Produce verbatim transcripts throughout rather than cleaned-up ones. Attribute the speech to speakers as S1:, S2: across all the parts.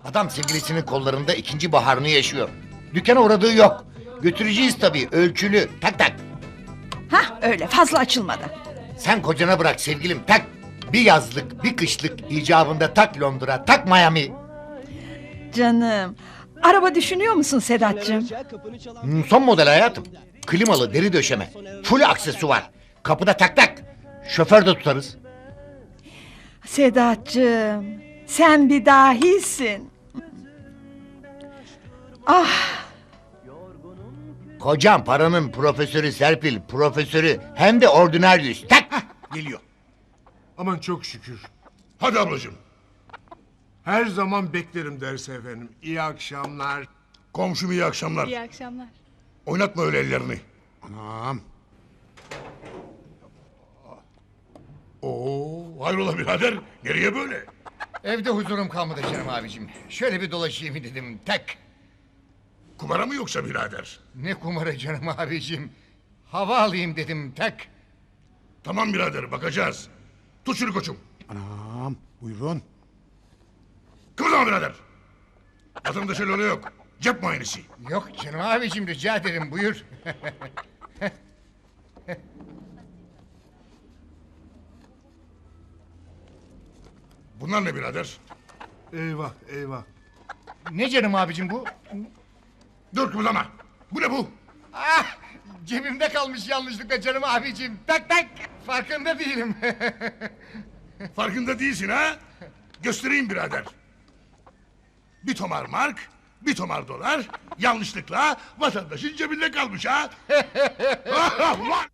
S1: Adam sevgilisinin kollarında ikinci baharını yaşıyor. Dükkana uğradığı yok. Götüreceğiz tabii, ölçülü. Tak tak.
S2: Hah öyle, fazla açılmadı.
S1: Sen kocana bırak sevgilim, tak. Bir yazlık, bir kışlık icabında tak Londra, tak Miami.
S2: Canım, araba düşünüyor musun Sedat'cığım?
S1: Hmm, son model hayatım. Klimalı, deri döşeme. Full aksesuar. Kapıda tak tak. Şoför de tutarız.
S2: Sedat'cığım, sen bir dahisin. Ah,
S1: Kocam paranın profesörü Serpil, profesörü. Hem de ordinaryüs. Tak.
S3: Geliyor. Aman çok şükür. Hadi ablacığım. Her zaman beklerim derse efendim. İyi akşamlar. Komşum iyi akşamlar.
S4: İyi akşamlar.
S3: Oynatma öyle ellerini. Anam. Oo, hayrola birader? Nereye böyle?
S1: Evde huzurum kalmadı canım abicim. Şöyle bir dolaşayım dedim. Tak.
S3: Kumara mı yoksa birader?
S1: Ne kumarı canım abicim. Hava alayım dedim. Tak.
S3: Tamam birader, bakacağız. Tut şunu koçum.
S5: Anam buyurun.
S3: Kıvırma birader. Vatandaşa öyle yok. Cep muayenesi.
S1: Yok canım abicim, rica ederim, buyur.
S3: Bunlar ne birader?
S5: Eyvah eyvah.
S1: Ne canım abicim bu?
S3: Dur kıvırlama. Bu ne bu?
S1: Ah, cebimde kalmış yanlışlıkla canım abicim. Tak tak. Farkında değilim.
S3: Farkında değilsin ha? Göstereyim birader. Bir tomar mark, bir tomar dolar, yanlışlıkla vatandaşın cebinde kalmış ha? Ulan!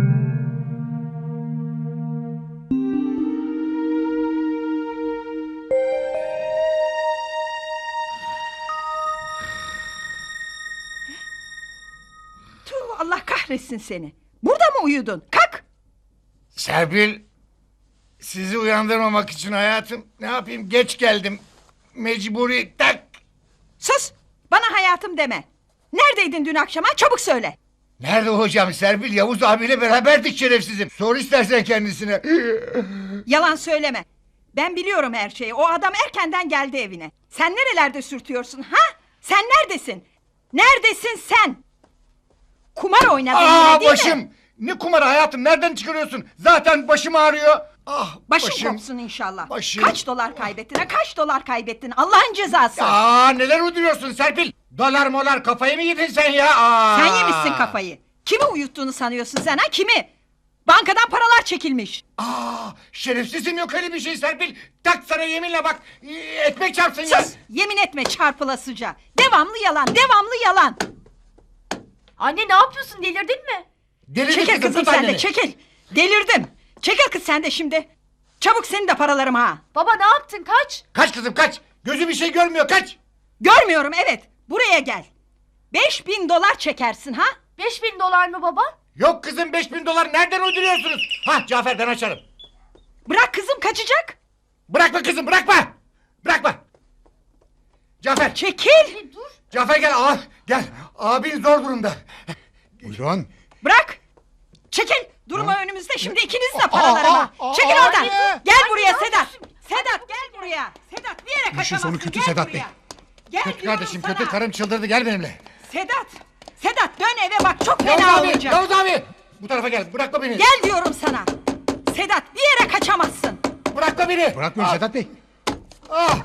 S2: tuh, Allah kahretsin seni. Burada mı uyudun? Kalk!
S1: Serpil, sizi uyandırmamak için hayatım, ne yapayım, geç geldim. Mecburi, tak.
S2: Sus! Bana hayatım deme. Neredeydin dün akşam ha? Çabuk söyle.
S1: Nerede hocam Serpil? Yavuz abiyle beraberdik şerefsizim. Sor istersen kendisine.
S2: Yalan söyleme. Ben biliyorum her şeyi. O adam erkenden geldi evine. Sen nerelerde sürtüyorsun ha? Sen neredesin? Neredesin sen? Kumar oynadın
S1: Aa,
S2: yine değil
S1: başım.
S2: mi?
S1: Ne kumarı hayatım, nereden çıkarıyorsun? Zaten başım ağrıyor. Ah,
S2: Başın
S1: başım.
S2: kopsun inşallah.
S1: Başım.
S2: Kaç dolar kaybettin ha? Kaç dolar kaybettin? Allah'ın cezası.
S1: Aa, neler uyduruyorsun Serpil? Dolar molar, kafayı mı yedin sen ya? Aa.
S2: Sen yemişsin kafayı. Kimi uyuttuğunu sanıyorsun sen ha? Kimi? Bankadan paralar çekilmiş.
S1: Aa, şerefsizim, yok öyle bir şey Serpil. Tak sana yeminle bak. e, Ekmek çarpsın ya.
S2: Sus! Yemin etme çarpılasıca. Devamlı yalan, devamlı yalan.
S4: Anne ne yapıyorsun, delirdin mi?
S1: Delirdin
S2: Çekil kızım
S1: tut
S2: sen de,
S1: anneni.
S2: çekil. Delirdim. Çekil kız sen de şimdi. Çabuk senin de paralarım ha.
S4: Baba ne yaptın, kaç?
S1: Kaç kızım kaç. Gözü bir şey görmüyor, kaç.
S2: Görmüyorum evet. Buraya gel. Beş bin dolar çekersin ha?
S4: Beş bin dolar mı baba?
S1: Yok kızım, beş bin dolar nereden uyduruyorsunuz? Hah, Cafer, ben açarım.
S2: Bırak kızım, kaçacak.
S1: Bırakma kızım, bırakma. Bırakma. Cafer.
S2: Çekil.
S4: E, dur.
S1: Cafer gel, aa, gel. Abin zor durumda.
S5: Buyurun.
S2: Bırak. Çekil. Durma önümüzde şimdi ikiniz de paralarıma.
S1: aa, aa,
S2: Çekil
S1: aa,
S2: oradan.
S1: anne.
S2: Gel
S4: Anne,
S2: buraya
S4: ne
S2: Sedat.
S4: yapıyorsun?
S2: Sedat gel buraya. Sedat bir yere
S5: işin
S2: kaçamazsın.
S5: sonu kötü
S2: Gel
S5: Sedat
S2: buraya.
S5: Bey.
S2: Gel
S1: Kötü
S2: diyorum
S1: kardeşim,
S2: sana.
S1: kötü, karım çıldırdı, gel benimle.
S2: Sedat. Sedat dön eve bak, çok
S1: Yavuz
S2: fena
S1: abi,
S2: olacak.
S1: Yavuz abi. Bu tarafa gel, bırakma beni.
S2: Gel diyorum sana. Sedat bir yere kaçamazsın.
S1: Bırakma beni.
S5: Bırakmıyorum
S1: Ah,
S5: Sedat Bey.
S1: ah.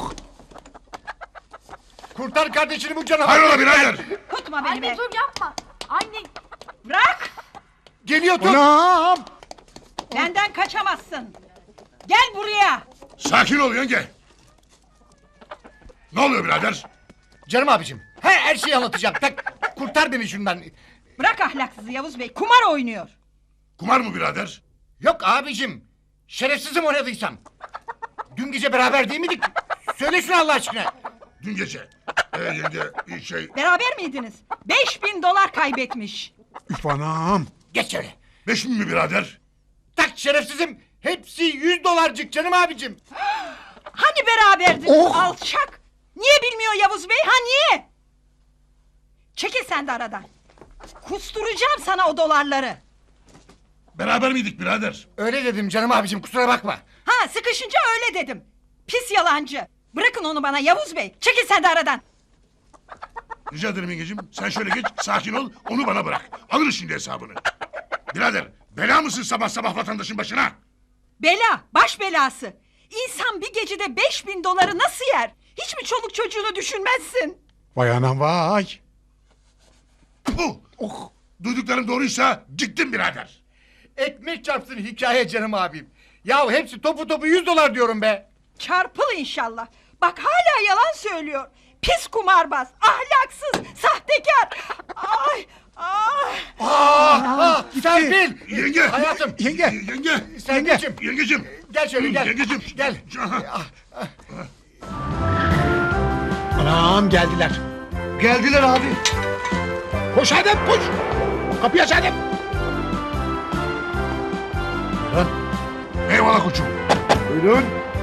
S1: Kurtar kardeşini bu canavar.
S3: Hayrola birader?
S2: Tutma beni
S4: Anne
S2: be.
S4: dur yapma. Anne.
S2: Bırak.
S1: Geliyor, tut.
S5: Anam.
S2: Benden kaçamazsın. Gel buraya.
S3: Sakin ol yenge. Ne oluyor birader?
S1: Canım abicim, her, her şeyi anlatacağım. Tak, kurtar beni şundan.
S2: Bırak ahlaksızı Yavuz Bey. Kumar oynuyor.
S3: Kumar mı birader?
S1: Yok abicim, şerefsizim oynadıysam. Dün gece beraber değil miydik? Söyle şunu Allah aşkına.
S3: Dün gece. Ee yenge iyi şey.
S2: Beraber miydiniz? Beş bin dolar kaybetmiş.
S5: Üf anam.
S1: Geç şöyle.
S3: Beş bin mi birader?
S1: Tak şerefsizim. Hepsi yüz dolarcık canım abicim.
S2: Hani beraberdiniz
S1: Oh!
S2: alçak? Niye bilmiyor Yavuz Bey ha niye? Çekil sen de aradan. Kusturacağım sana o dolarları.
S3: Beraber miydik birader?
S1: Öyle dedim canım abicim, kusura bakma.
S2: Ha sıkışınca öyle dedim. Pis yalancı. Bırakın onu bana Yavuz Bey. Çekil sen de aradan.
S3: Rica ederim yengecim. Sen şöyle geç, sakin ol, onu bana bırak. Alırız şimdi hesabını. Birader, bela mısın sabah sabah vatandaşın başına?
S2: Bela, baş belası. İnsan bir gecede beş bin doları nasıl yer? Hiç mi çoluk çocuğunu düşünmezsin?
S5: Vay anam vay.
S3: Puh!
S5: Oh.
S3: Duyduklarım doğruysa gittim birader.
S1: Ekmek çarpsın hikaye canım abim. Ya hepsi topu topu yüz dolar diyorum be.
S2: Çarpıl inşallah. Bak hala yalan söylüyor. Pis kumarbaz, ahlaksız, sahtekar. Ay, ay.
S1: Ah, Serpil.
S3: Yenge!
S1: Hayatım.
S5: Yenge.
S3: Yenge!
S1: Serpil'cim.
S3: Yengecim!
S1: Gel şöyle gel.
S3: Yengecim!
S1: Gel.
S5: Anam geldiler.
S1: Geldiler abi.
S5: Koş Adem koş. Kapıyı aç Adem.
S3: Eyvallah koçum.
S5: Buyurun.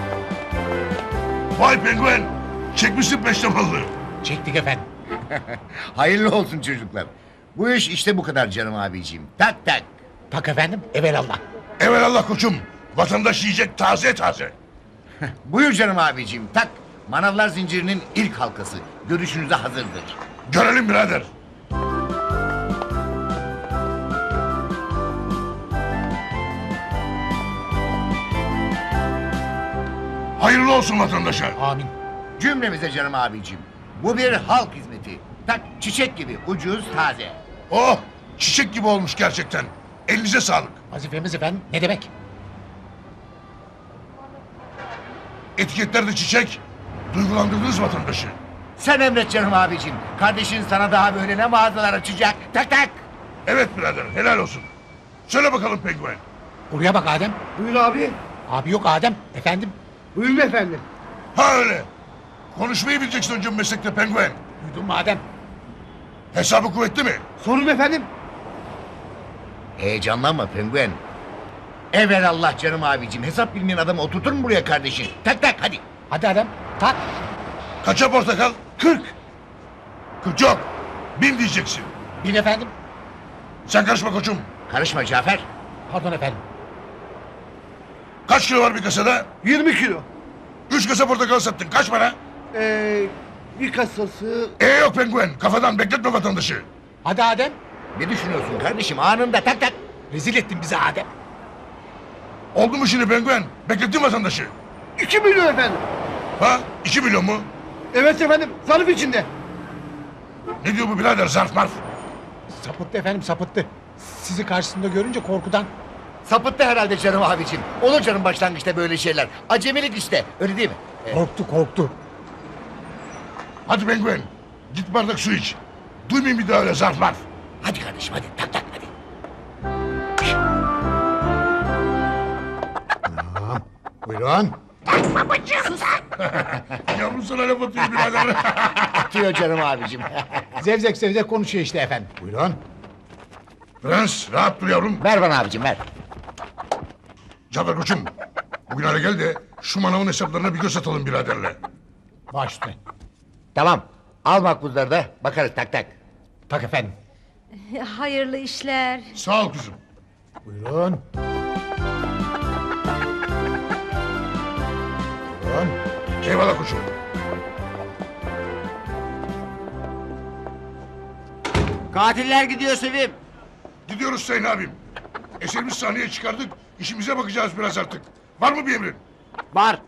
S3: Vay penguen! Çekmişsin peştemallı.
S1: Çektik efendim.
S6: Hayırlı olsun çocuklar. Bu iş işte bu kadar canım abiciğim. Tak tak.
S1: Tak efendim evelallah.
S3: Evelallah koçum. Vatandaş yiyecek taze taze.
S6: Buyur canım abiciğim tak. Manavlar zincirinin ilk halkası. Görüşünüze hazırdır.
S3: Görelim birader. Hayırlı olsun vatandaşa.
S1: Amin.
S6: Cümlemize canım abiciğim. Bu bir halk hizmeti. Tak çiçek gibi ucuz taze.
S3: Oh! Çiçek gibi olmuş gerçekten. Elinize sağlık.
S1: Vazifemiz efendim ne demek?
S3: Etiketlerde çiçek. Duygulandırdınız vatandaşı.
S6: Sen emret canım abiciğim. Kardeşin sana daha böyle ne mağazalar açacak. Tak tak.
S3: Evet birader helal olsun. Söyle bakalım penguen.
S1: Buraya bak Adem.
S7: Buyur abi.
S1: Abi yok Adem. Efendim.
S7: Buyurun efendim.
S3: Ha öyle. Konuşmayı bileceksin önce bu meslekte penguen.
S1: Duydun mu Adem?
S3: Hesabı kuvvetli mi?
S7: Sorun efendim.
S6: Heyecanlanma penguen. Evelallah canım abiciğim. Hesap bilmeyen adamı oturtur mu buraya kardeşin? Tak tak hadi.
S1: Hadi Adem. Tak.
S3: Kaça portakal? Kırk. Kırk yok. Bin diyeceksin.
S1: Bin efendim.
S3: Sen karışma koçum.
S6: Karışma Cafer.
S1: Pardon efendim.
S3: Kaç kilo var bir kasada?
S7: yirmi kilo.
S3: Üç kasa portakal sattın. Kaç para?
S7: Ee, bir kasası...
S3: E yok penguen. Kafadan bekletme vatandaşı.
S1: Hadi Adem.
S6: Ne düşünüyorsun kardeşim anında tak tak.
S1: Rezil ettin bizi Adem.
S3: Oldu mu şimdi penguen? Beklettin vatandaşı.
S7: iki milyon efendim.
S3: Ha? İki milyon mu?
S7: Evet efendim. Zarf içinde.
S3: Ne diyor bu birader zarf marf?
S1: Sapıttı efendim sapıttı. Sizi karşısında görünce korkudan.
S6: Sapıttı herhalde canım abicim. Olur canım başlangıçta böyle şeyler. Acemilik işte öyle değil mi?
S1: Korktu korktu.
S3: Hadi penguen. Git bardak su iç. Duymayayım bir daha öyle zarf marf.
S6: Hadi kardeşim hadi tak tak hadi.
S5: Tamam. Buyurun.
S3: Yavrum sana laf atıyor birader.
S6: Atıyor canım abicim.
S1: Zevzek zevzek konuşuyor işte efendim.
S5: Buyurun.
S3: Prens rahat dur yavrum.
S6: Ver bana abicim ver.
S3: Cafer koçum. Bugün hale gel de şu manavın hesaplarına bir göz atalım biraderle.
S1: Baş üstüne.
S6: Tamam. Al makbuzları da bakarız tak tak.
S1: Tak efendim.
S8: Hayırlı işler.
S3: Sağ ol kızım.
S1: Buyurun. Buyurun.
S3: Eyvallah koçum.
S6: Katiller gidiyor Sevim.
S3: Gidiyoruz Sayın abim. Eserimiz sahneye çıkardık. İşimize bakacağız biraz artık. Var mı bir emrin?
S7: Var.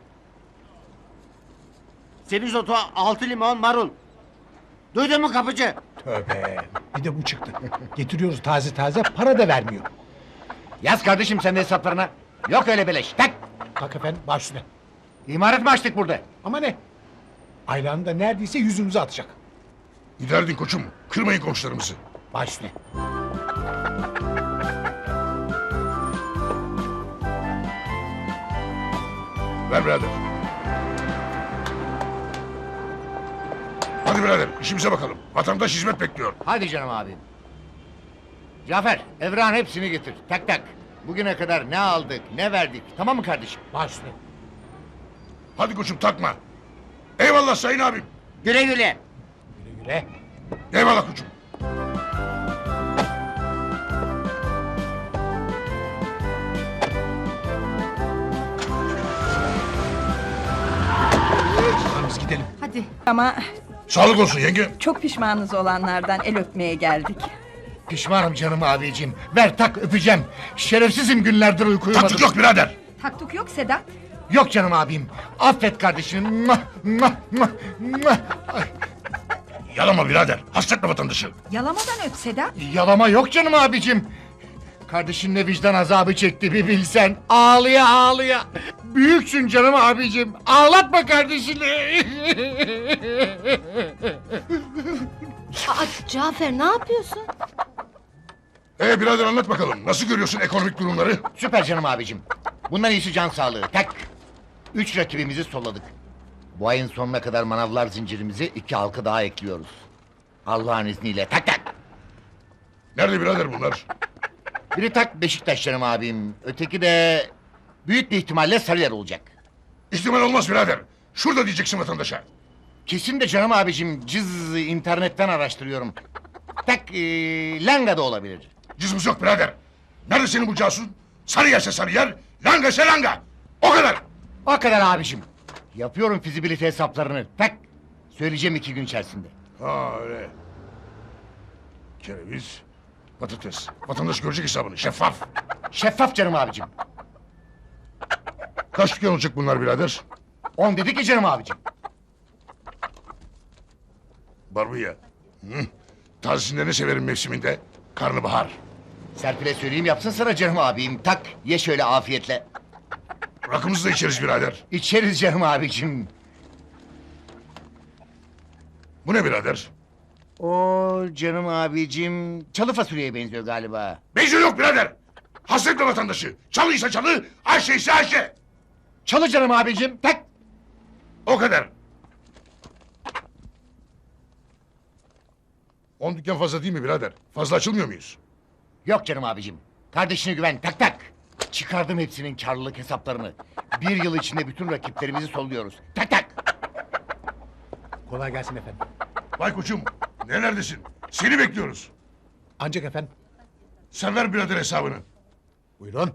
S7: Semizotu, altı limon, marul. Duydun mu kapıcı?
S1: Tövbe. Bir de bu çıktı. Getiriyoruz taze taze para da vermiyor.
S6: Yaz kardeşim sen de hesaplarına. Yok öyle beleş. Tak.
S1: Tak efendim baş üstüne.
S6: İmaret mi açtık burada?
S1: Ama ne? Aylanı da neredeyse yüzümüze atacak.
S3: Giderdin koçum. Kırmayın komşularımızı.
S1: Baş üstüne.
S3: Ver birader. Hadi birader işimize bakalım. Vatandaş hizmet bekliyor.
S6: Hadi canım abim. Cafer, Evran hepsini getir. Tak tak. Bugüne kadar ne aldık, ne verdik. Tamam mı kardeşim?
S1: Baş üstüne.
S3: Hadi koçum takma. Eyvallah sayın abim.
S6: Güle güle.
S1: Güle güle.
S3: Eyvallah koçum.
S5: gidelim.
S4: Hadi.
S2: Ama
S3: Sağlık olsun yenge.
S2: çok pişmanız olanlardan el öpmeye geldik.
S6: Pişmanım canım abicim. Ver tak öpeceğim. Şerefsizim günlerdir uyku uyumadım.
S3: Taktık yok birader.
S2: Taktuk yok Sedat.
S6: Yok canım abim. Affet kardeşim. Mwah, mwah, mwah, mwah. Ay,
S3: Yalama birader. Hasretme vatandaşı.
S2: Yalamadan öp Sedat.
S6: yalama yok canım abicim. Kardeşin ne vicdan azabı çekti bir bilsen. Ağlıya ağlıya. Büyüksün canım abicim. Ağlatma kardeşini.
S8: Aa, Cafer ne yapıyorsun?
S3: Ee birader anlat bakalım. Nasıl görüyorsun ekonomik durumları?
S6: Süper canım abicim. Bundan iyisi can sağlığı. Tak. Üç rakibimizi solladık. Bu ayın sonuna kadar manavlar zincirimizi iki halka daha ekliyoruz. Allah'ın izniyle. Tak tak.
S3: Nerede birader bunlar?
S6: Biri tak Beşiktaş canım abim. Öteki de büyük bir ihtimalle Sarıyer olacak.
S3: İhtimal olmaz birader. Şurada diyeceksin vatandaşa.
S6: Kesin de canım abicim. Cız internetten araştırıyorum. Tak ee, Langa da olabilir.
S3: Cızmız yok birader. Nerede senin bu casus? Sarı yerse sarı yer, langa ise langa. O kadar.
S6: O kadar abicim. Yapıyorum fizibilite hesaplarını. Tak. Söyleyeceğim iki gün içerisinde.
S3: Ha öyle. Kereviz, patates. Vatandaş görecek hesabını. Şeffaf.
S6: Şeffaf canım abicim.
S3: Kaç dükkan olacak bunlar birader?
S6: On dedik ki canım abicim.
S3: Barbunya. Hı. Tazesinde ne severim mevsiminde? Karnabahar.
S6: Serpil'e söyleyeyim yapsın sana canım abim. Tak ye şöyle afiyetle.
S3: Rakımızı da içeriz birader.
S6: İçeriz canım abicim.
S3: Bu ne birader?
S6: O canım abicim çalı fasulyeye benziyor galiba.
S3: Benziyor yok birader. Hasretle vatandaşı. Çalıysa çalı, Ayşe ise Ayşe.
S6: Çalı canım abicim. Tak.
S3: O kadar. On dükkan fazla değil mi birader? Fazla açılmıyor muyuz?
S6: Yok canım abicim. Kardeşine güven tak tak. Çıkardım hepsinin karlılık hesaplarını. Bir yıl içinde bütün rakiplerimizi solluyoruz. Tak tak.
S5: Kolay gelsin efendim.
S3: Vay koçum, nerelerdesin? Seni bekliyoruz.
S5: Ancak efendim.
S3: Sen ver birader hesabını.
S5: Buyurun.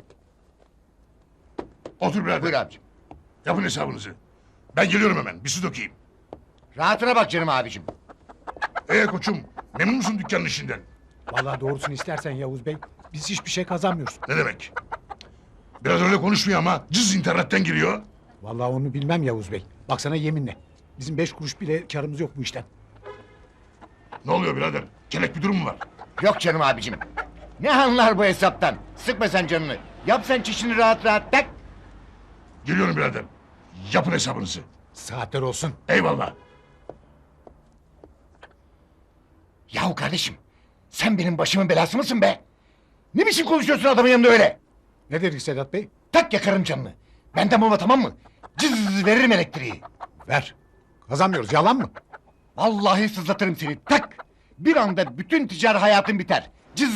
S3: Otur birader.
S6: Buyur abicim.
S3: Yapın hesabınızı. Ben geliyorum hemen. Bir su dökeyim.
S6: Rahatına bak canım abicim.
S3: Ee koçum, memnun musun dükkanın işinden?
S5: Vallahi doğrusunu istersen Yavuz Bey. Biz hiçbir şey kazanmıyoruz.
S3: Ne demek? Biraz öyle konuşmuyor ama cız internetten giriyor.
S5: Vallahi onu bilmem Yavuz Bey. Baksana yeminle. Bizim beş kuruş bile karımız yok bu işten.
S3: Ne oluyor birader? Kelek bir durum mu var?
S6: Yok canım abicim. Ne anlar bu hesaptan? Sıkma sen canını. Yap sen çişini rahat rahat tak.
S3: Geliyorum birader. Yapın hesabınızı.
S5: Saatler olsun.
S3: Eyvallah.
S6: Yahu kardeşim. Sen benim başımın belası mısın be? Ne biçim konuşuyorsun adamın yanında öyle?
S5: Ne dedik Sedat Bey?
S6: Tak yakarım canını. Benden bulma tamam mı? Cız veririm elektriği.
S5: Ver. Kazanmıyoruz. Yalan mı?
S6: Vallahi sızlatırım seni. Tak. Bir anda bütün ticari hayatın biter. Cız.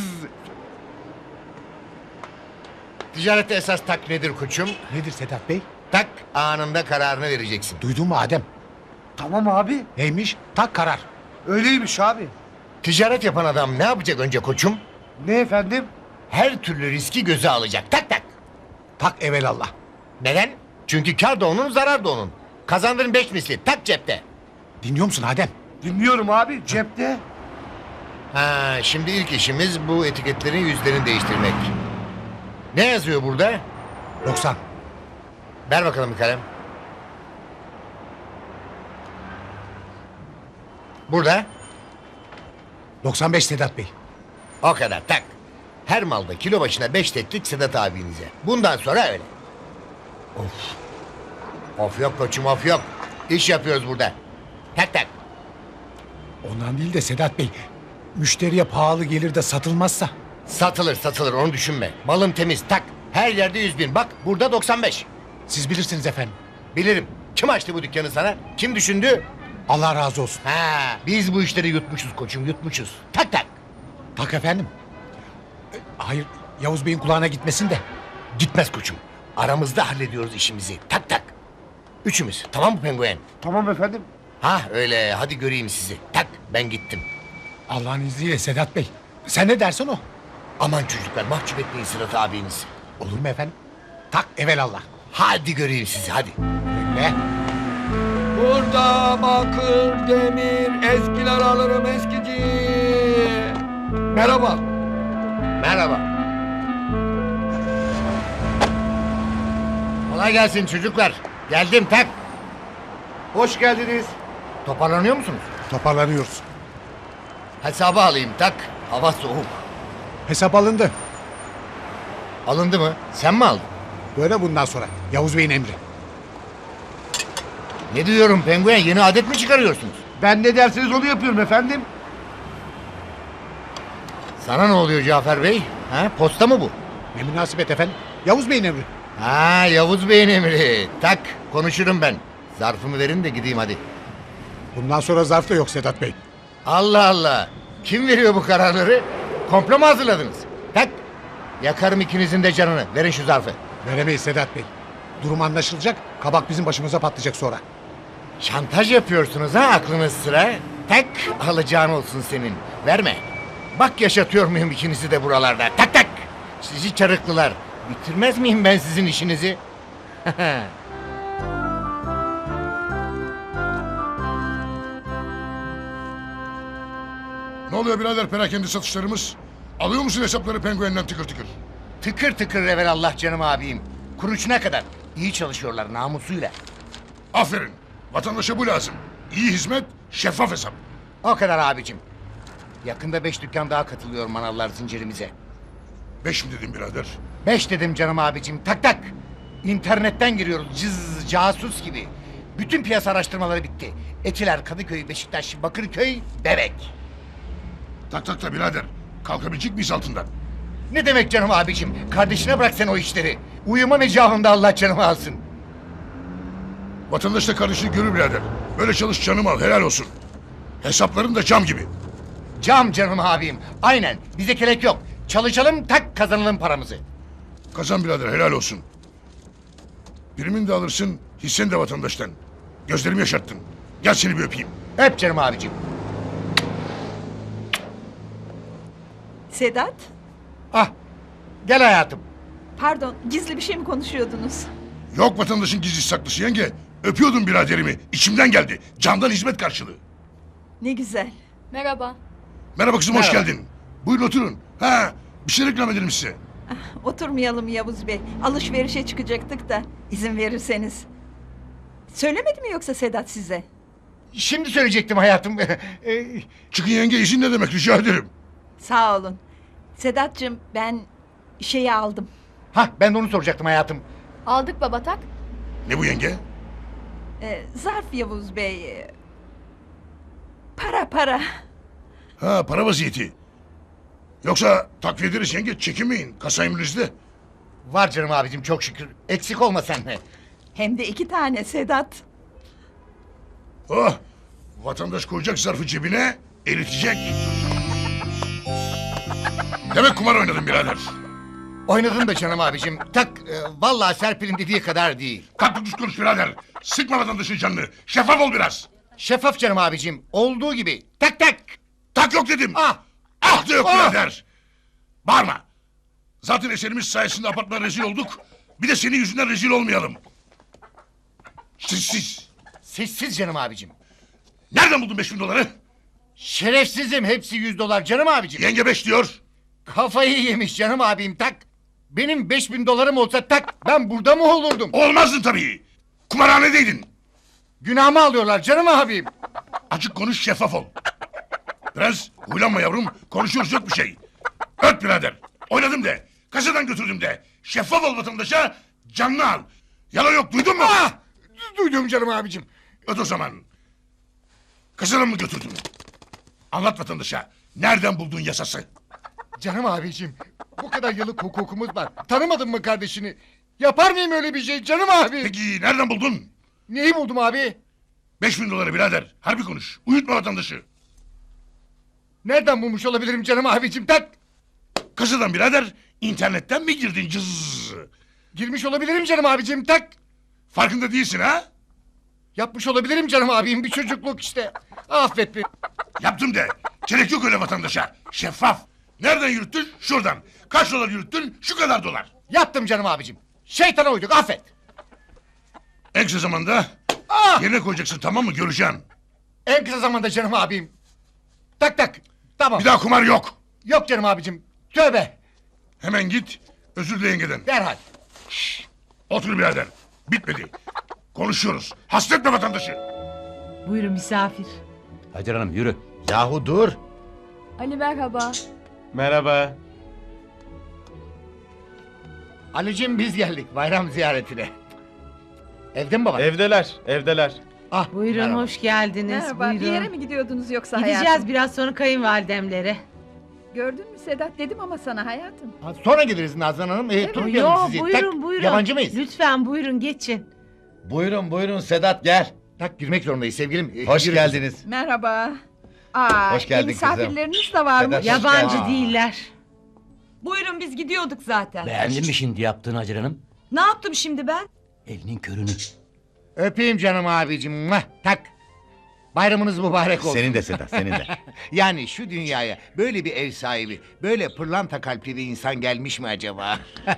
S6: Ticarette esas tak nedir koçum?
S5: Nedir Sedat Bey?
S6: Tak anında kararını vereceksin.
S5: Duydun mu Adem?
S7: Tamam abi.
S5: Neymiş? Tak karar.
S7: Öyleymiş abi.
S6: Ticaret yapan adam ne yapacak önce koçum?
S7: Ne efendim?
S6: Her türlü riski göze alacak. Tak tak.
S5: Tak evelallah.
S6: Neden? Çünkü kar da onun, zarar da onun. Kazandığın beş misli. Tak cepte.
S5: Dinliyor musun Adem?
S7: Dinliyorum abi cepte.
S6: Ha, şimdi ilk işimiz bu etiketlerin yüzlerini değiştirmek. Ne yazıyor burada?
S5: doksan.
S6: Ver bakalım bir kalem. Burada.
S5: doksan beş Sedat Bey.
S6: O kadar tak. Her malda kilo başına beş teklik Sedat abinize. Bundan sonra öyle. Of. Of yok koçum of yok. İş yapıyoruz burada. Tak tak.
S5: Ondan değil de Sedat Bey. Müşteriye pahalı gelir de satılmazsa.
S6: Satılır satılır onu düşünme. Malım temiz tak. Her yerde yüz bin. Bak burada doksan beş.
S5: Siz bilirsiniz efendim.
S6: Bilirim. Kim açtı bu dükkanı sana? Kim düşündü?
S5: Allah razı olsun.
S6: Ha, biz bu işleri yutmuşuz koçum yutmuşuz. Tak tak.
S5: Tak efendim. E, Hayır Yavuz Bey'in kulağına gitmesin de.
S6: Gitmez koçum. Aramızda hallediyoruz işimizi. Tak tak. Üçümüz. Tamam mı penguen?
S7: Tamam efendim.
S6: Ha öyle. Hadi göreyim sizi. Tak ben gittim.
S5: Allah'ın izniyle Sedat Bey. Sen ne dersen o.
S6: Aman çocuklar mahcup etmeyin Sırat abinizi.
S5: Olur mu efendim? Tak evelallah.
S6: Hadi göreyim sizi hadi.
S5: Öyle.
S9: Burada bakır, demir, eskiler alırım eskici. Merhaba.
S6: Merhaba. Kolay gelsin çocuklar. Geldim tak.
S9: Hoş geldiniz.
S6: Toparlanıyor musunuz?
S5: Toparlanıyoruz.
S6: Hesabı alayım tak. Hava soğuk.
S5: Hesap alındı.
S6: Alındı mı? Sen mi aldın?
S5: Böyle bundan sonra. Yavuz Bey'in emri.
S6: Ne diyorum penguen, yeni adet mi çıkarıyorsunuz?
S9: Ben ne derseniz onu yapıyorum efendim.
S6: Sana ne oluyor Cafer Bey? Ha, posta mı bu?
S5: Ne münasebet efendim. Yavuz Bey'in emri.
S6: Ha, Yavuz Bey'in emri. Tak, konuşurum ben. Zarfımı verin de gideyim hadi.
S5: Bundan sonra zarf da yok Sedat Bey.
S6: Allah Allah. Kim veriyor bu kararları? Komplo mu hazırladınız? Tak. Yakarım ikinizin de canını. Verin şu zarfı.
S5: Veremeyiz Sedat Bey. Durum anlaşılacak. Kabak bizim başımıza patlayacak sonra.
S6: Şantaj yapıyorsunuz ha, aklınız sıra. Tak, alacağın olsun senin. Verme. Bak yaşatıyor muyum ikinizi de buralarda. Tak tak. Sizi çarıklılar. Bitirmez miyim ben sizin işinizi?
S3: Ne oluyor birader perakende satışlarımız? Alıyor musun hesapları penguenden tıkır tıkır?
S6: Tıkır tıkır evelallah canım abim. Kuruşuna kadar. İyi çalışıyorlar namusuyla.
S3: Aferin. Vatandaşa bu lazım. İyi hizmet, şeffaf hesap.
S6: O kadar abicim. Yakında beş dükkan daha katılıyor manavlar zincirimize.
S3: Beş mi dedim birader?
S6: Beş dedim canım abicim, tak tak. İnternetten giriyoruz cız casus gibi. Bütün piyasa araştırmaları bitti. Etiler, Kadıköy, Beşiktaş, Bakırköy, Bebek.
S3: Tak tak da birader. Kalkabilecek miyiz altından?
S6: Ne demek canım abicim? Kardeşine bırak sen o işleri. Uyuma mecahında Allah canımı alsın.
S3: Vatandaş da kardeşini görür birader. Böyle çalış canım al, helal olsun. Hesapların da cam gibi.
S6: Cam canım abim. Aynen. Bize kelek yok. Çalışalım tak kazanalım paramızı.
S3: Kazan birader, helal olsun. Primini de alırsın, hisseni de vatandaştan. Gözlerimi yaşarttın. Gel seni bir öpeyim.
S6: Öp canım abicim.
S2: Sedat,
S6: Ah. Gel hayatım.
S2: pardon, gizli bir şey mi konuşuyordunuz?
S3: Yok vatandaşın gizli saklısı yenge. Öpüyordum biraderimi. İçimden geldi. Candan hizmet karşılığı.
S2: Ne güzel.
S4: Merhaba.
S3: Merhaba kızım, hoş
S6: Merhaba.
S3: geldin. Buyurun oturun. Ha, bir şey reklam edelim size.
S2: Oturmayalım Yavuz Bey. Alışverişe çıkacaktık da izin verirseniz. Söylemedi mi yoksa Sedat size?
S6: Şimdi söyleyecektim hayatım. Ee,
S3: Çıkın yenge, izin ne demek, rica ederim.
S2: Sağ olun. Sedat'cığım ben şeyi aldım.
S6: Hah, ben de onu soracaktım hayatım.
S4: Aldık baba tak.
S3: Ne bu yenge?
S2: Ee, zarf Yavuz Bey. ee, Para para.
S3: Ha, para vaziyeti. Yoksa takviye ederiz yenge, çekinmeyin. Kasa emrinizde.
S6: Var canım abicim çok şükür. Eksik olma sen de.
S2: Hem de iki tane Sedat.
S3: Oh, vatandaş koyacak zarfı cebine, eritecek. Demek kumar oynadın birader.
S6: Oynadın da canım abicim. Tak, e, vallahi Serpil'in dediği kadar değil.
S3: Kalk düz konuş birader. Sıkma vatandaşın canını. Şeffaf ol biraz.
S6: Şeffaf canım abicim. Olduğu gibi. Tak tak.
S3: Tak yok dedim.
S6: Ah.
S3: Ah da yok
S6: Ah.
S3: birader. Bağırma. Zaten eserimiz sayesinde apartmana rezil olduk. Bir de senin yüzünden rezil olmayalım. Sessiz.
S6: Sessiz canım abicim.
S3: Nereden buldun beş bin doları?
S6: Şerefsizim, hepsi yüz dolar canım abicim.
S3: Yenge beş diyor.
S6: Kafayı yemiş canım abim tak. Benim beş bin dolarım olsa tak ben burada mı olurdum?
S3: Olmazdın tabii. Kumarhanedeydin.
S6: Günahımı alıyorlar canım abim.
S3: Açık konuş, şeffaf ol. Biraz huylanma yavrum. Konuşuyoruz, yok bir şey. Öt birader. Oynadım de. Kasadan götürdüm de. Şeffaf ol vatandaşa. Canını al. Yalan yok, duydun mu?
S6: Ah! Duydum canım abicim.
S3: Öt o zaman. Kasadan mı götürdün? Anlat vatandaşa. Nereden buldun yasası?
S6: Canım abicim bu kadar yıllık hukukumuz var. Tanımadın mı kardeşini? Yapar mıyım öyle bir şey canım abi?
S3: Peki nereden buldun?
S6: Neyi buldum abi?
S3: Beş bin doları birader. Harbi konuş. Uyutma vatandaşı.
S6: Nereden bulmuş olabilirim canım abicim tak?
S3: Kasadan birader. İnternetten mi girdin cız?
S6: Girmiş olabilirim canım abicim tak.
S3: Farkında değilsin ha?
S6: Yapmış olabilirim canım abim bir çocukluk işte. Affet beni.
S3: Yaptım de. Gerek yok öyle vatandaşa. Şeffaf. Nereden yürüttün? Şuradan. Kaç dolar yürüttün? Şu kadar dolar.
S6: Yaptım canım abicim. Şeytana uyduk affet.
S3: En kısa zamanda
S5: Ah!
S3: Yerine koyacaksın, tamam mı? Göreceğim.
S6: En kısa zamanda canım abim. Tak tak. Tamam.
S3: Bir daha kumar yok.
S6: Yok canım abicim. Tövbe.
S3: Hemen git. Özür dile yengeden.
S6: Derhal.
S3: Otur birader. Bitmedi. Konuşuyoruz. Hasretme vatandaşı.
S10: Buyurun misafir.
S9: Hacer Hanım yürü.
S6: Yahu dur.
S4: Ali merhaba.
S9: Merhaba.
S6: Ali'cim biz geldik bayram ziyaretine. Evde mi baba?
S9: Evdeler, evdeler.
S6: Ah,
S10: Buyurun
S6: merhaba.
S10: hoş geldiniz.
S2: Merhaba, bir
S10: Buyurun.
S2: yere mi gidiyordunuz yoksa
S10: Gideceğiz
S2: hayatım?
S10: biraz sonra kayınvalidemlere.
S2: Gördün mü Sedat, dedim ama sana hayatım.
S6: Ha, sonra geliriz Nazan Hanım. Ee, tutmayalım
S10: Yo
S6: sizi.
S10: buyurun
S6: Tak,
S10: buyurun.
S6: Yabancı mıyız?
S10: Lütfen buyurun geçin.
S9: Buyurun buyurun Sedat gel.
S6: Tak girmek zorundayız sevgilim. Ee,
S9: Hoş
S6: yürü
S9: geldiniz.
S2: Merhaba. Aa,
S9: Hoş geldin kızım.
S2: misafirleriniz de varmış.
S9: Sedat,
S10: Yabancı
S9: Aa.
S10: değiller.
S11: Buyurun biz gidiyorduk zaten.
S7: Beğendin mi şimdi yaptığını Hacer Hanım?
S11: Ne yaptım şimdi ben?
S7: Elinin körünü.
S6: Öpeyim canım abicim. Muah, tak. Bayramınız mübarek olsun.
S9: Senin de Sedat, senin de.
S6: Yani şu dünyaya böyle bir ev sahibi, böyle pırlanta kalpli bir insan gelmiş mi acaba?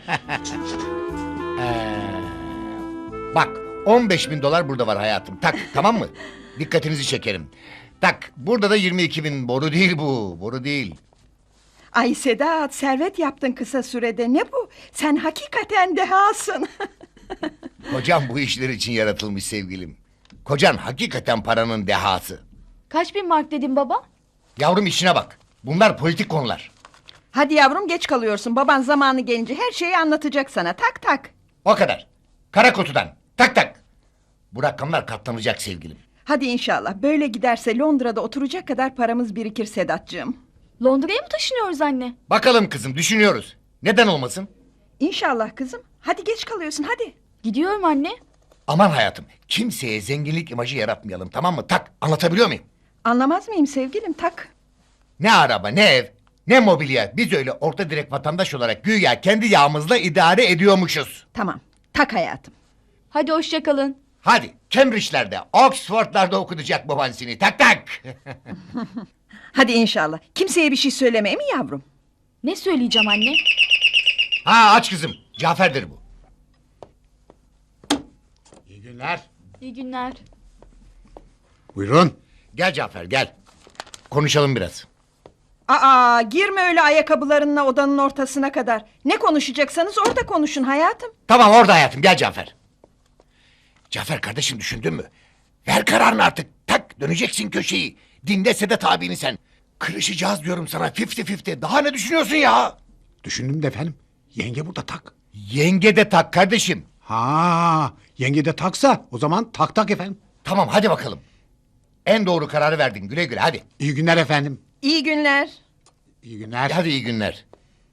S6: Ee, bak on beş bin dolar burada var hayatım. Tak tamam mı? Dikkatinizi çekerim. Tak burada da yirmi iki bin. Boru değil bu. Boru değil.
S2: Ay Sedat, servet yaptın kısa sürede. Ne bu? Sen hakikaten dehasın.
S6: Kocam bu işler için yaratılmış sevgilim. Kocan hakikaten paranın dehası.
S4: Kaç bin mark dedin baba?
S6: Yavrum işine bak. Bunlar politik konular.
S2: Hadi yavrum, geç kalıyorsun. Baban zamanı gelince her şeyi anlatacak sana. Tak tak.
S6: O kadar. Kara kutudan. Tak tak. Bu rakamlar katlanacak sevgilim.
S2: Hadi inşallah. Böyle giderse Londra'da oturacak kadar paramız birikir Sedatcığım.
S4: Londra'ya mı taşınıyoruz anne?
S6: Bakalım kızım düşünüyoruz. Neden olmasın?
S2: İnşallah kızım. Hadi geç kalıyorsun hadi.
S4: Gidiyorum anne.
S6: Aman hayatım kimseye zenginlik imajı yaratmayalım tamam mı? Tak anlatabiliyor muyum?
S2: Anlamaz mıyım sevgilim? Tak.
S6: Ne araba ne ev ne mobilya biz öyle orta direk vatandaş olarak güya kendi yağımızla idare ediyormuşuz.
S2: Tamam. Tak hayatım.
S4: Hadi hoşça kalın.
S6: Hadi Cambridge'lerde Oxford'larda okutacak baban seni tak tak.
S2: Hadi inşallah. Kimseye bir şey söylemeye mi yavrum?
S4: Ne söyleyeceğim anne?
S6: Ha aç kızım Cafer'dir bu. İyi günler.
S4: İyi günler.
S5: Buyurun.
S6: Gel Cafer gel. Konuşalım biraz.
S2: Aa, girme öyle ayakkabılarınla odanın ortasına kadar. Ne konuşacaksanız orada konuşun hayatım.
S6: Tamam orada hayatım gel Cafer. Cafer kardeşim düşündün mü? Ver kararını artık. Tak döneceksin köşeyi. Dinle Sedat abini sen. Kırışacağız diyorum sana fifty fifty. Daha ne düşünüyorsun ya?
S5: Düşündüm de efendim. Yenge burada tak.
S6: Yenge de tak kardeşim.
S5: Ha, yenge de taksa o zaman tak tak efendim.
S6: Tamam hadi bakalım. En doğru kararı verdin güle güle hadi.
S5: İyi günler efendim.
S2: İyi günler.
S5: İyi günler.
S6: Hadi iyi günler.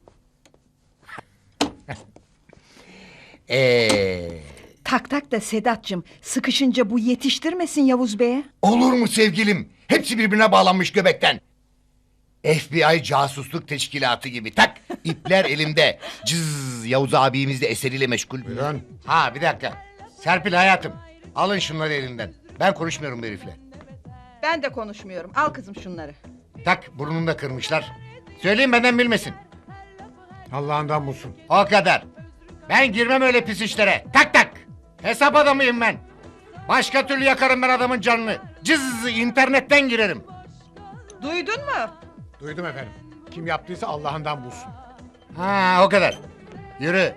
S6: Eee...
S2: Tak tak da Sedat'cığım, sıkışınca bu yetiştirmesin Yavuz Bey'e.
S6: Olur mu sevgilim? Hepsi birbirine bağlanmış göbekten. F B I casusluk teşkilatı gibi tak ipler elimde. Cız Yavuz abimiz de eseriyle meşgul.
S5: Buyurun.
S6: Ha bir dakika. Serpil hayatım alın şunları elinden. Ben konuşmuyorum bu herifle.
S2: Ben de konuşmuyorum. Al kızım şunları.
S6: Tak burnunu da kırmışlar. Söyleyin benden bilmesin.
S5: Allah'ından bulsun.
S6: O kadar. Ben girmem öyle pis işlere. Tak tak. Hesap adamıyım ben. Başka türlü yakarım ben adamın canını. Cız internetten girerim.
S2: Duydun mu?
S5: Duydum efendim. Kim yaptıysa Allah'ından bulsun.
S6: Ha o kadar. Yürü.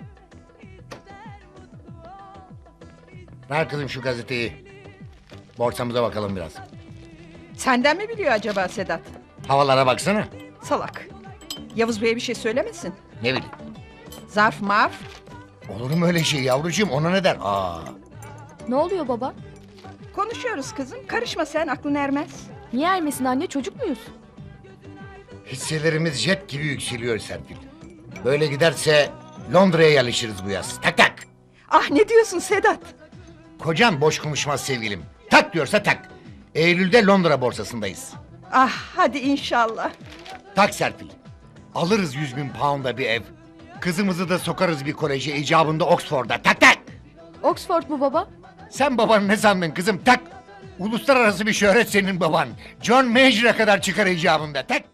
S6: Ver kızım şu gazeteyi. Borsamıza bakalım biraz.
S2: Senden mi biliyor acaba Sedat?
S6: Havalara baksana.
S2: Salak. Yavuz Bey'e bir şey söylemesin.
S6: Ne bileyim.
S2: Zarf marf.
S6: Olur mu öyle şey yavrucuğum ona ne der? Aa.
S4: Ne oluyor baba?
S2: Konuşuyoruz kızım. Karışma sen, aklın ermez.
S4: Niye ermesin anne, çocuk muyuz?
S6: Hisselerimiz jet gibi yükseliyor Serpil. Böyle giderse Londra'ya yerleşiriz bu yaz. Tak tak.
S2: Ah ne diyorsun Sedat?
S6: Kocan boş konuşmaz sevgilim. Tak diyorsa tak. Eylül'de Londra borsasındayız.
S2: Ah hadi inşallah.
S6: Tak Serpil. Alırız yüz bin pound'a bir ev. Kızımızı da sokarız bir koleje icabında Oxford'a. Tak tak.
S4: Oxford mu baba?
S6: Sen babanı ne sandın kızım? Tak. Uluslararası bir şöhret senin baban. John Major'a kadar çıkar icabında. Tak.